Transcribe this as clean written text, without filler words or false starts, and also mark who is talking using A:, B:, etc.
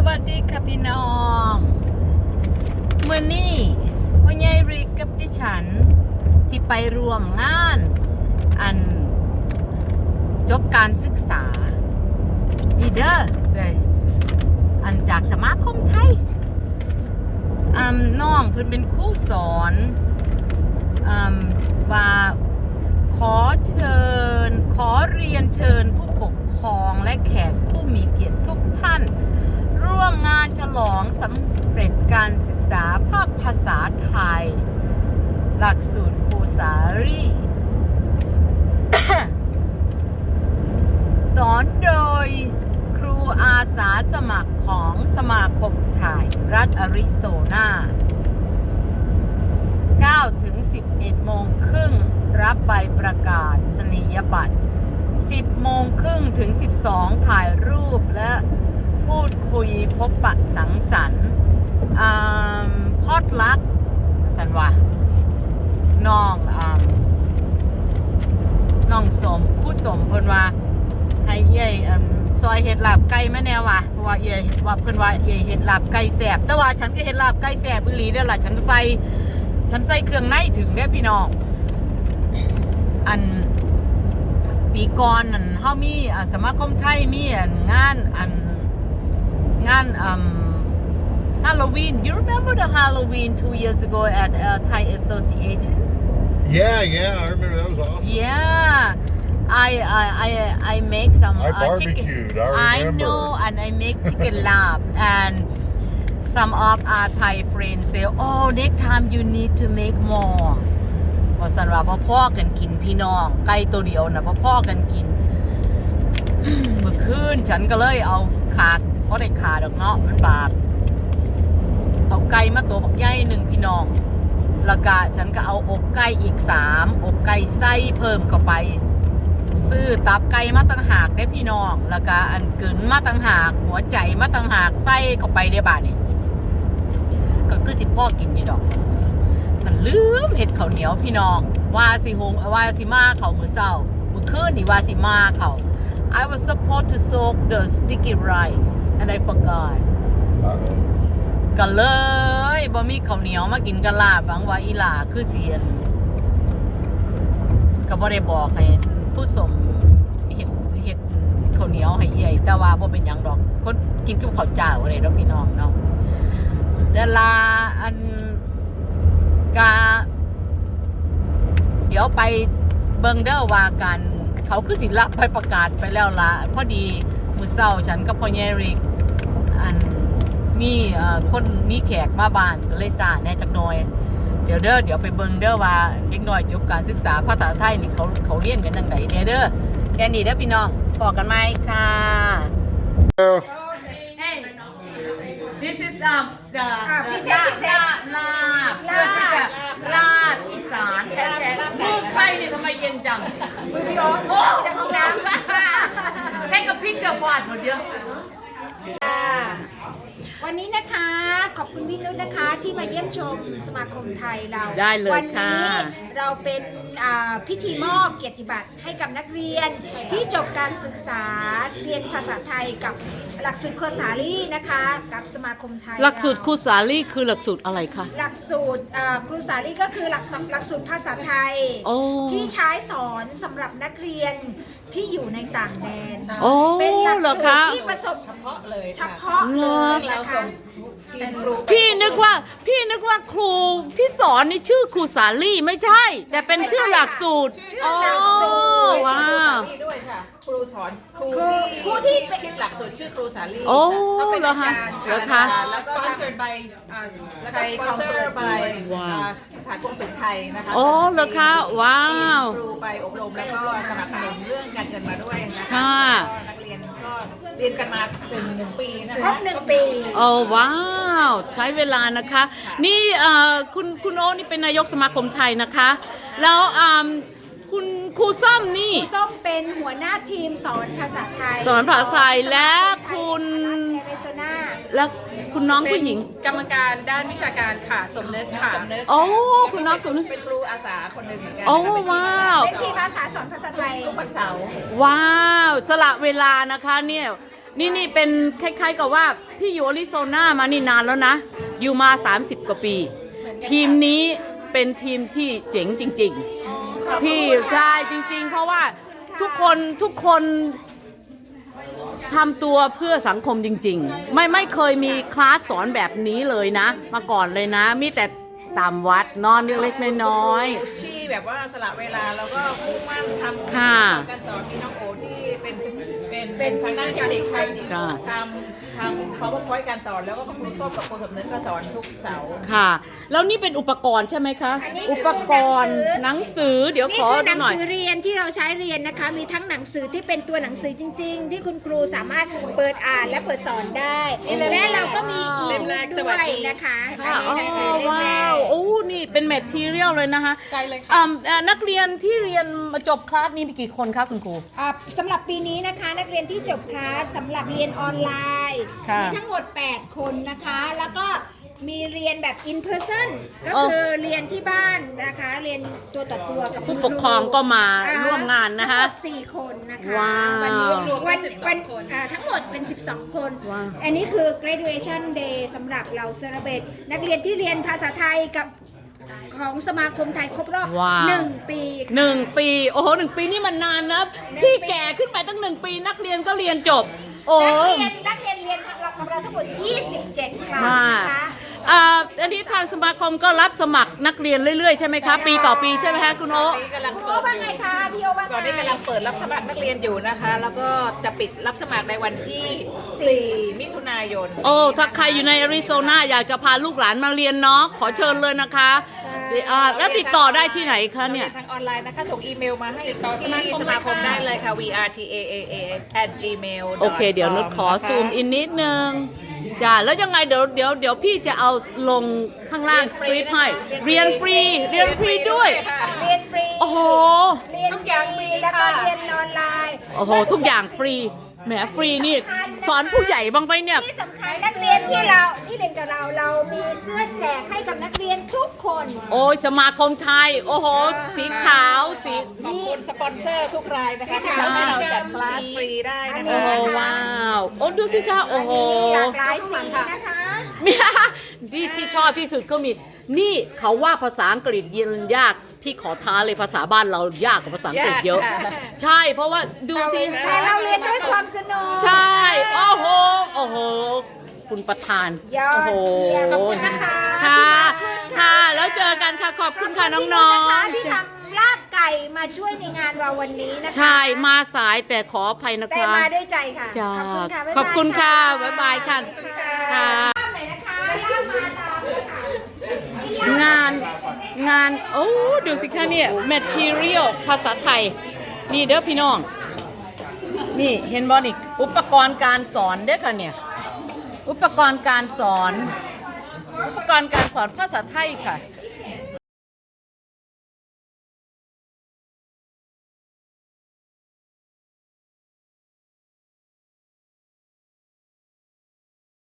A: วัสดีค่ะพี่น้องเมื่อนี้พ่อใหญ่ริกกับดิฉันสิไปรวมงานอันจบการศึกษาอีเด้อเลยอันจากสมาคมไทยน้องเพิ่นเป็นครูสอนว่าขอเรียนเชิญผู้ปกครองและแขกผู้มีเกียรติทุกท่านร่วมงานฉลองสำเร็จการศึกษาภาคภาษาไทยหลักสูตรครูสารี สอนโดยครูอาสาสมัครของสมาคมไทยรัฐอาริโซนา9 ถึง 11 โมงครึ่งรับใบประกาศนียบัตร10 โมงครึ่งถึง 12 ถ่ายรูปและพูดคุยพบปะสังสรรค์พอดลักสันว่าน้องสมคู่สมเพิ่นว่าให้เย่ซอยเห็ดลาบไก่แม่แนวว่ะเพราะว่าเย่ว่าเพิ่นว่าเย่เห็ดลาบไก่แซ่บแต่ว่าฉันก็เห็ดลาบไก่แซ่บอีหลีเด้อล่ะฉันใส่เครื่องในถึงเด้อพี่น้องอันปีก่อนนั่นเฮามีสมาคมไทยมีงานHalloween. You remember the Halloween 2 years ago at Thai Association?
B: Yeah, I remember that was awesome.
A: Yeah, I make some
B: I barbecued.
A: chicken.
B: I remember.
A: I know, and I make chicken lab. And some of our Thai friends say, "Oh, next time you need to make more." ว่าสันว่าพ่อกันกินพี่น้องไก่ตัวเดียวนะพ่อกันกิน เมื่อคืนฉันก็เลยเอาขาดเพราะได้ขาดอกเนาะมันบาปเอาไก่มาตัวบักใหญ่หนึ่งพี่น้องแล้วก็ฉันก็เอาอกไก่อีก3อกไก่ไส้เพิ่มเข้าไปซื้อตับไก่มาต่างหากได้พี่น้องแล้วก็อันกึ๋นมาต่างหากหัวใจมาต่างหากไส้เข้าไปได้บาดนี่ก็คือสิพ่อกินนี่ดอกมันลืมเห็ดข้าวเหนียวพี่น้องว่าสิมาเขามื้อเช้ามื้อคืนนี่ว่าสิมาเขา I was supposed to soak the sticky rice and I forgot ก็เลยบ่มีข้าวเหนียวมากินกะลาบหวังว่าอีหล่าคือเสียนก็บ่ได้บอกให้ผู้สมเฮ็ดข้าวเหนียวให้ใหญ่แต่ว่าบ่เป็นหยังดอกคนกินกับข้าวเจ้าอะไรดอกพี่น้องเนาะดาราอันกาเดี๋ยวไปเบิ่งเด้อว่ากันเขาคือสิรับใบประกาศไปแล้วล่ะพอดีมื้อเช้าฉันกับพ่อใหญ่ริกอันมีคนมีแขกมาบ้านก็เลยซ่าแน่จักหน่อยเดี๋ยวไปเบิ่งเด้อว่าเด็กน้อยจบการศึกษาภาษาไทยนี่เขาเรียนกันจังได๋เด้อแค่นี้เด้อพี่น้องพอกันไหมค่ะ Hey this is the ลาบอีสานแท้ๆมือใครนี่ทำไมเย็นจังมือพี่อ๋อโอ้จากห้องน้ำให้กับพี่เจอฟาดหมดเยอะ
C: วันนี้นะคะขอบคุณพี่นุชนะคะที่มาเยี่ยมชมสมาคมไทยเรา
A: ได้เลย
C: วัน
A: ค่ะ
C: นี้เราเป็นพิธีมอบเกียรติบัตรให้กับนักเรียนที่จบการศึกษาเรียนภาษาไทยกับหลักสูตรครูสาลีนะคะกับสมาคมไทย
A: หลักสูตรครูสาลีคือหลักสูตรอะไรคะ
C: หลักสูตรครูสาลีก็คือหลักสูตรภาษาไทยที่ใช้สอนสำหรับนักเรียนที่อยู่ในต่างแดนเป็นหลักสูตรที่ประสบเฉพาะเลยนะคะ
A: พี่นึกว่าครูที่สอนนี่ชื่อครูสาลีไม่ใช่แต่เป็นชื่อหลักสูตรอ๋อว้าว
D: ด้วยค่ะครูสอนครูที่คิดหลักสูตรชื่อครูสาลี
A: โอ้เหรอคะ
D: แล้วก็ sponsored by ไทย council by สถานกงสุลไทยนะคะ
A: โอ้เหรอคะว้าว
D: ครูไปอบรมแล้วก็สนับสนุนเรื่องการเงินมาด้วยนะคะนักเรียนก็เรียนกันมาเป็น1 ปีนะคะ
C: ครบ1 ปี
A: โอ้ว้าวใช้เวลานะคะนี่คุณโอนี่เป็นนายกสมาคมไทยนะคะแล้วคุณครูส้มนี่
C: ครูส้มเป็นหัวหน้าทีมสอนภาษาไทย
A: สอนภาษาไทยและคุณและคุณน้องผู้หญิง
D: กรรมการด้านวิชาการค่ะสมนึกค่ะ
A: โอ้คุณน้องสมนึก
D: เป็นครูอาสาคนหนึ่งเหมือนกัน
A: โอ้ว้าว
C: เป็นทีมอาสาสอนภาษาไทย
D: ทุกวันเสาร์
A: ว้าวสละเวลานะคะเนี่ยนี่เป็นคล้ายๆกับว่าพี่อยู่อริโซนามานี่นานแล้วนะ อยู่มา 30 กว่าปี ทีมนี้เป็นทีมที่เจ๋งจริงๆ พี่ใช่จริงๆ เพราะว่าทุกคนทำตัวเพื่อสังคมจริงๆ ไม่เคยมีคลาสสอนแบบนี้เลยนะ มาก่อนเลยนะ มีแต่ตามวัดนอนเล็กๆน้อย
D: ที่แบบว่าสละเวลาแล้วก็มุ่งมั่นทำ
A: ค่ะ
D: การสอนมีน้องโอที่เป็นทางด้านเทคนิค
A: ค่ะ
D: ทำPowerPointการสอนแล้วก็ครูส้มกับครูสำนึกก็สอนทุกเสาร์
A: ค่ะ แล้วนี่เป็นอุปกรณ์ใช่ไหมคะ
C: อันนี้คือ
A: อุปกรณ์หนังสือเดี๋ยว
C: นี่
A: ขอ
C: คือห
A: ดู
C: นัง
A: หน่อย
C: สือเรียนที่เราใช้เรียนนะคะ มีทั้งหนังสือที่เป็นตัวหนังสือจริง ๆ ที่คุณครูสามารถเปิดอ่านและเปิดสอนได้ และเราก็มีอีบุ๊กด้วยนะคะอันนี้หนังสือเล่มแร
A: ว้าก วโอ้นี่เป็นแมททีเรียลเลยนะคะใช่เลยค่ะนักเรียนที่เรียนมาจบคลาสนี้มีกี่คนคะคุณครู
C: สำหรับปีนี้นะคะนักเรียนที่จบคลาสสำหรับเรียนออนไลน์
A: ค่ะ
C: มีทั้งหมด 8 คนนะคะ แล้วก็มีเรียนแบบ in person ก็คือเรียนที่บ้านนะคะ เรียนตัวต่อตัวกับ
A: ผู้ปกครองก็มาร่วมงานนะคะ
C: ทั้งหมด4 คนนะคะ
A: ว้าว
C: วันนี้วันทั้งหมดเป็น 12 คน
A: ว้าว
C: อันนี้คือ graduation day สำหรับเรา celebrate นักเรียนที่เรียนภาษาไทยกับของสมาคมไทยครบรอบ
A: ว้าว
C: 1 ปีค่ะ
A: 1 ปีโอ้โห1 ปีนี่มันนานนะพี่แก่ขึ้นไปตั้ง1 ปีนักเรียนก็เรียนจบ โอ้
C: นักเรียนเรียนกับเราทั้งหมด 27 ครั้ง
A: ค่ะ
C: นะคะ
A: อันนี้ทางสมาคมก็รับสมัครนักเรียนเรื่อยๆใช่ไหมคะ ปีต่อปีใช่ไหมคะคุณโอ๊
D: นี่กำลัง
C: คุณ
D: เปิ
C: โอ
D: ด
C: ว่า
D: อยู่
C: ไงคะพี่โอว่าไง
D: ตอนนี้กำลังเปิดรับสมัครนักเรียนอยู่นะคะ แล้วก็จะปิดรับสมัครในวันที่ 4 มิถุนายน
A: โอ้ถ้าใครอยู่ในอาริโซนาอยากจะพาลูกหลานมาเรียนเนาะขอเชิญเลยนะคะแล้วติดต่อได้ที่ไหนคะเนี่ย
D: ทางออนไลน์นะคะ ส่งอีเมลมาให้ที่สมาคมได้เลยค่ะ vrtaa@gmail
A: โอเค เดี๋ยวนุชขอซูมอินนิดนึงจ้าแล้วยังไงเดี๋ยวพี่จะเอาลงข้างล่างสคริปต์ให้เรียนฟรีด้วย
C: เรียนฟรี
A: โอ้โห
C: เรียนทุกอย่างฟรีแล้วก็เรียนออนไลน์
A: โอ้โห ทุกอย่างฟรีแหมฟรีนี่สอนผู้ใหญ่บ้างไหมเนี่ย
C: ที่สำคัญนักเรียนที่เรียนกับเรามีเสื้อแจกให้กับนักเรียนทุกคน
A: โอ้ยสมาคมไทย โอ้โห สีขาวสี
D: ขอบคุณสปอนเซอร์ทุกรายนะคะที่ทำให้เราจัดคลาสฟรีได้นะ
A: โอ้
D: คะ
A: โหว้าวโอ้ดูสิคะโอ้โห
C: หลากหลายสีนะคะ
A: นี่ที่ชอบที่สุดก็มี นี่เขาว่าภาษาอังกฤษเรียนยาก พี่ขอท้าเลยภาษาบ้านเรายากกว่าภาษาอังกฤษเยอะ ใช่ เพราะว่าดูสิ
C: แต่เราเรียนด้วยความสนุก
A: ใช่ โอ้โห โอ้โห คุณประธาน
C: ยอด
A: โอ้โห
C: เยี่ยมขอบคุณนะคะ
A: ค่ะ
C: ที่มาขึ้น
A: ค่ะ แล้วเจอกันค่ะ ขอบคุณค่ะน้อง
C: นะคะที่
A: ๆ
C: ทำลาบไก่มาช่วยในงานเราวันนี้นะคะ
A: ใช่ มาสายแต่ขออภัยนะ
C: แต่
A: คะ
C: มาด้วยใจค่ะ
A: จ้า
C: ขอบคุณค่ะ
A: ขอบคุณค่ะบ๊ายบายค่ะ
C: ค่ะ
A: ค่ะ
C: ลาบไหนนะคะลาบมาตามเลยค่ะ
A: งาน โอ้ ดูสิคะเนี่ย material ภาษาไทย นี่เด้อพี่น้อง นี่เห็นบอลอีกอุปกรณ์การสอนเด้อค่ะเนี่ย อุปกรณ์การสอนภาษาไทยค่ะ